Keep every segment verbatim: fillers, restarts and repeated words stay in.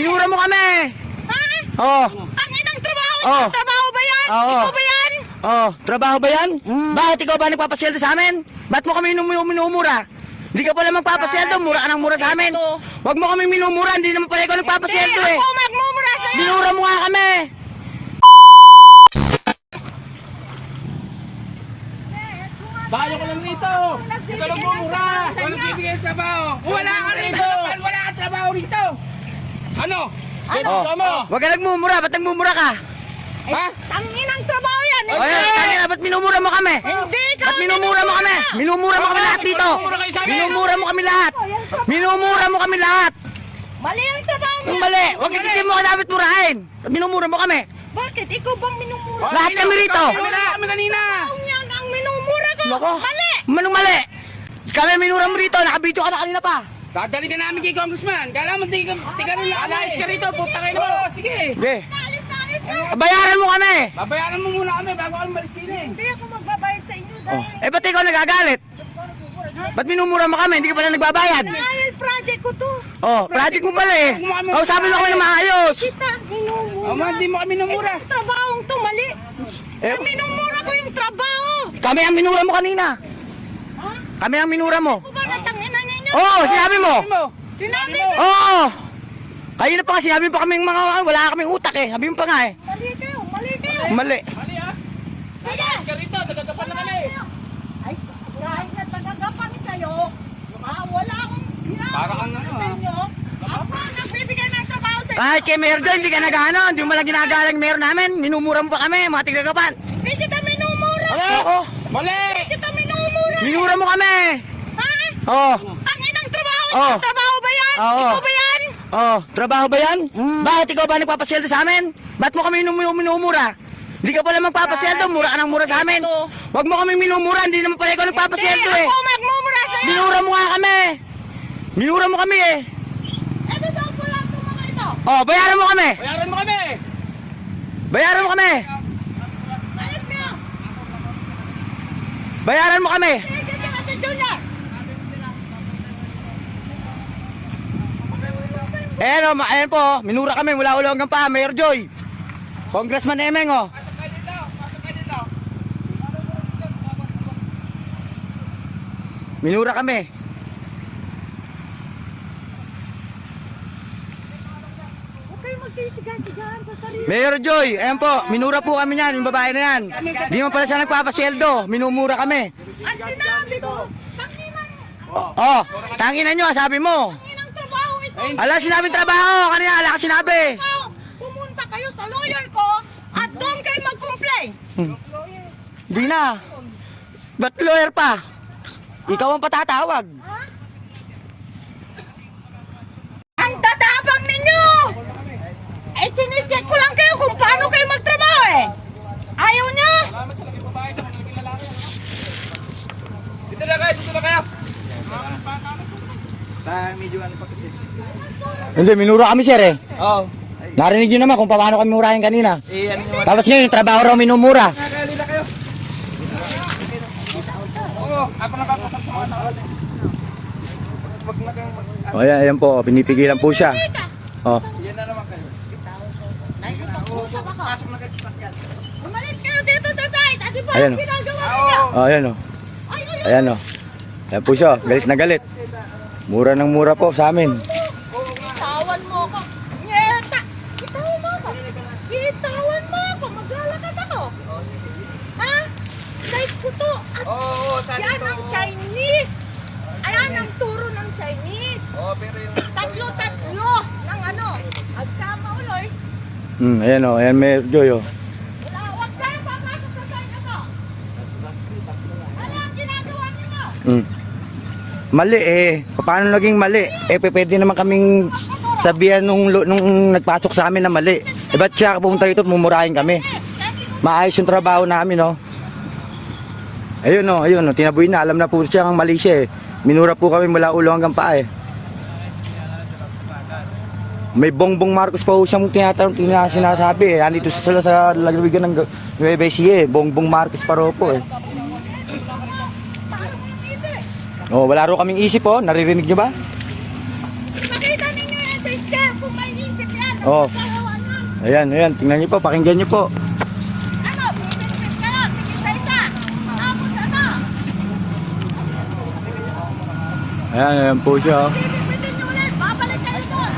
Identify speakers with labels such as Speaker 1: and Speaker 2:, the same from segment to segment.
Speaker 1: Minura mo kami!
Speaker 2: Ha?
Speaker 1: Oo.
Speaker 2: Ang inang trabaho!
Speaker 1: Oh.
Speaker 2: Trabaho ba yan?
Speaker 1: Oo.
Speaker 2: Ikaw ba yan?
Speaker 1: Oh, trabaho ba yan? Bakit ikaw ba nagpapasweldo sa amin? Ba't mo kami minum- minumura? Hindi ka pala magpapasweldo, mura ka ng mura sa amin. Huwag mo kami minumura, hindi naman pala ikaw nagpapasweldo
Speaker 2: Hindi,
Speaker 1: eh.
Speaker 2: ako magmumura sa'yo!
Speaker 1: Minura mo nga kami.
Speaker 3: Bayo ko lang rito! Ito lang bumura! Walang bibigay sa trabaho! Wala ka rito! Wala ka trabaho rito! Ano? Ano?
Speaker 1: Oh, huwag ka nagmumura, ba't nagmumura ka?
Speaker 3: Ha?
Speaker 2: Tanginang trabaho yan!
Speaker 1: O yan, tangina, ba't minumura mo kami?
Speaker 2: Hindi ka!
Speaker 1: Ba't minumura mo kami? Minumura mo kami lahat dito. Minumura mo kami lahat. Minumura mo kami lahat.
Speaker 2: Mali ang trabaho
Speaker 1: Yung
Speaker 2: niya!
Speaker 1: mali, huwag hindi mo ka dapat murahin. Ba't minumura mo kami?
Speaker 2: Bakit? Ikaw bang minumura?
Speaker 1: Lahat kami rito.
Speaker 3: Wala kami kanina!
Speaker 2: Trabaho niya ang minumura ko!
Speaker 1: Loko.
Speaker 2: Mali!
Speaker 1: Manong mali. Kami minura mo rito, nakabidyo ka na kanina pa.
Speaker 3: Dadali ka namin kay Congressman! Kala mo di ka di ka rin alayas ka rito! Puta kayo mo! Sige!
Speaker 1: Sige,
Speaker 2: Alis na, alis na!
Speaker 1: bayaran mo kami.
Speaker 3: Babayaran mo muna kami bago kami malis din eh!
Speaker 2: Hindi ako magbabayad sa inyo
Speaker 1: Oh.
Speaker 2: dahil
Speaker 1: Eh, ba't ikaw nagagalit? Ba't minumura mo kami? Hindi ka pala nagbabayad.
Speaker 2: dahil project ko to.
Speaker 1: Oh, project mo pala eh. Oh, sabi mo kami na maayos.
Speaker 2: Kita, minumura.
Speaker 3: Oh, man, di mo kami namura!
Speaker 2: Itong trabahong to, mali.
Speaker 1: Eh,
Speaker 2: Minumura ko yung trabaho.
Speaker 1: kami ang minura mo kanina.
Speaker 2: Ha?
Speaker 1: Kami ang minura mo.
Speaker 2: Ako ba natangina ninyo?
Speaker 1: Oo, oh, sinabi mo.
Speaker 3: Sabi mo!
Speaker 2: Sinabi
Speaker 3: mo.
Speaker 2: mo.
Speaker 1: Oo. Kayo na pa nga, sinabi pa kaming mga, wala kaming utak eh. Sabi mo pa nga eh.
Speaker 2: Mali kayo, mali kayo.
Speaker 1: Mali.
Speaker 3: Mali ah!
Speaker 2: Sige.
Speaker 3: Alayas ka rito! Nagagapan na kami!
Speaker 2: Ay, kahit na tagagapan kayo, ah, wala akong ginagawa
Speaker 3: Para kang ano,
Speaker 2: sa inyo. Ako ang nagbibigay ng trabaho sa inyo.
Speaker 1: Kahit kay Mayor Joy, hindi ka nagano. Hindi mo lang ginagalang Mayor namin. Minumura mo pa kami, mga tigagapan.
Speaker 2: Hindi kita minumura.
Speaker 1: Oo.
Speaker 3: Mali!
Speaker 2: Hindi kita minumura.
Speaker 1: Minura mo kami.
Speaker 2: Ha?
Speaker 1: Oo.
Speaker 2: Ang inang trabaho
Speaker 1: Oh.
Speaker 2: niya. Trabaho ba yan?
Speaker 1: Oo.
Speaker 2: Ikaw ba yan?
Speaker 1: Oh, trabaho ba yan? Bakit ikaw ba nagpapasweldo sa amin? Ba't mo kami minum- minumura? Hindi ka pala magpapasweldo, mura ka ng mura sa amin. Huwag mo kami minumura, hindi naman pala ikaw nagpapasweldo
Speaker 2: Hindi,
Speaker 1: eh.
Speaker 2: ako magmumura sa'yo.
Speaker 1: Minura mo nga kami. Minura mo kami eh.
Speaker 2: Ito saan po lang itong mga ito?
Speaker 1: Oh, bayaran mo kami.
Speaker 3: Bayaran mo kami!
Speaker 1: Bayaran mo kami.
Speaker 2: Alis ka.
Speaker 1: Bayaran mo kami.
Speaker 2: Sige ka na si Junior.
Speaker 1: Ayan o, ayan po, minura kami mula ulo hanggang pa, Mayor Joy. Congressman Emeng oh.
Speaker 3: Pasok kayo dito! Pasok kayo dito!
Speaker 1: Minura kami.
Speaker 2: Huwag kayo magsisigahan sa sarili.
Speaker 1: Mayor Joy, ayan po, minura po kami niyan, yung babae na yan. Di mo pala siya nagpapasweldo, minumura kami.
Speaker 2: At sinabi ko, tanginan,
Speaker 1: Oh, oh tanginan nyo, sabi mo.
Speaker 2: tanginang trabaho ito.
Speaker 1: Ala, sinabi trabaho, kanina, ala ka sinabi.
Speaker 2: Ikaw, pumunta kayo sa lawyer ko at doon kayo mag-complain.
Speaker 1: Di na. Ba't lawyer pa? Ikaw ang patatawag.
Speaker 2: Ha? Ang tatapang ninyo! Eh, sinicheck ko lang kayo kung paano kayo magtrabaho eh. Ayaw nyo?
Speaker 3: Dito na kayo! Dito na kayo! Medyo ano pa kasi.
Speaker 1: Hindi, minura kami sir eh.
Speaker 3: Oo.
Speaker 1: Narinig nyo naman kung paano kami murahin kanina.
Speaker 3: Eh, ano nyo?
Speaker 1: Tapos ngayon, yung trabaho raw minumura.
Speaker 3: Nakalila kayo. Oo, ako nakapasok sa mga tao. Wag na kayong mag...
Speaker 1: O ayan, ayan po, pinipigilan po siya. Oh.
Speaker 3: Yan na naman kayo.
Speaker 2: Nakikipag-usap ako.
Speaker 3: Pasok na kayo sa sakyan.
Speaker 2: Umalis kayo dito sa site. At iba
Speaker 1: Ayan,
Speaker 2: ang
Speaker 1: oh.
Speaker 2: ginagawa ninyo.
Speaker 1: Oh, ayan o.
Speaker 2: Ay, ay, ay.
Speaker 1: Ayan o. Ayan po siya, galit na galit. Mura ng mura po sa amin.
Speaker 2: Bitawan mo ako. Nyeta! Bitawan mo ako. Bitawan mo ako. Maglalakad ako. Ha? Site ko to. At
Speaker 3: Oo, oo, saan
Speaker 2: yan
Speaker 3: ito?
Speaker 2: ang Chinese. Ayan ang turo ng Chinese.
Speaker 3: Oo, pero yung...
Speaker 2: Tatlo-tatlo ng ano. At sama uloy.
Speaker 1: Hmm, ayan o, ayan Mayor Joy o.
Speaker 2: Wala, huwag kayo papasok sa site ako. Ano ang ginagawa niyo mo?
Speaker 1: Hmm. Mali eh. Paano naging mali? Eh, pwede naman kaming sabihan nung, nung nagpasok sa amin na mali. Eh, ba't siya pumunta rito at mumurahin kami? Maayos yung trabaho namin, no? Ayun, no, ayun, no, tinaboy na. Alam na po siya ang mali siya eh. Minura po kami mula ulo hanggang paa eh. May Bongbong Marcos pa po siyang tinatanong, tina- sinasabi eh. Andito sila sa lagwigan ng Nueva Ecija eh. Bongbong Marcos pa ro po eh. Oh, wala ro kaming isip oh. Naririnig nyo ba?
Speaker 2: Makita ninyo yan sa scam kung may isip yan.
Speaker 1: Oh.
Speaker 2: Nagawa na.
Speaker 1: Ayan, ayan. Tingnan niyo po. Pakinggan niyo po.
Speaker 2: Ano? Pipit-pit kayo. Tingin sa isa. Tapos ano?
Speaker 1: Ayan, ayan po siya. Oh.
Speaker 2: Pipit-pitin nyo ulit. Babalik kayo doon.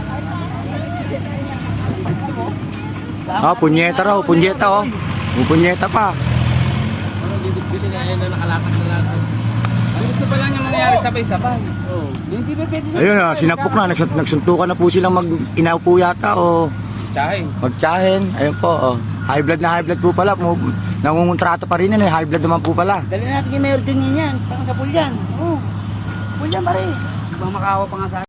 Speaker 1: Ah, punyeta raw. Punyeta, oh. May punyeta pa.
Speaker 3: Bibit-bitin na yan na nakalakas na lahat. Ang gusto pa lang yung mangyayari sabay-sabay. Oo. Hindi ba pwede sa...
Speaker 1: Ayun, ah, sinapok na. Nagsut nagsuntukan na po silang mag-inaw po yata o
Speaker 3: Tsahin.
Speaker 1: magtsahin. Ayun po, oh. High blood na high blood po pala. Mu- Nangungontrato pa rin yan eh. High blood naman po pala.
Speaker 4: Dali natin kay Mayor din yan. Saan sa Pulyan? Oo. Pulyan pa rin. Ibang makawa pa nga sa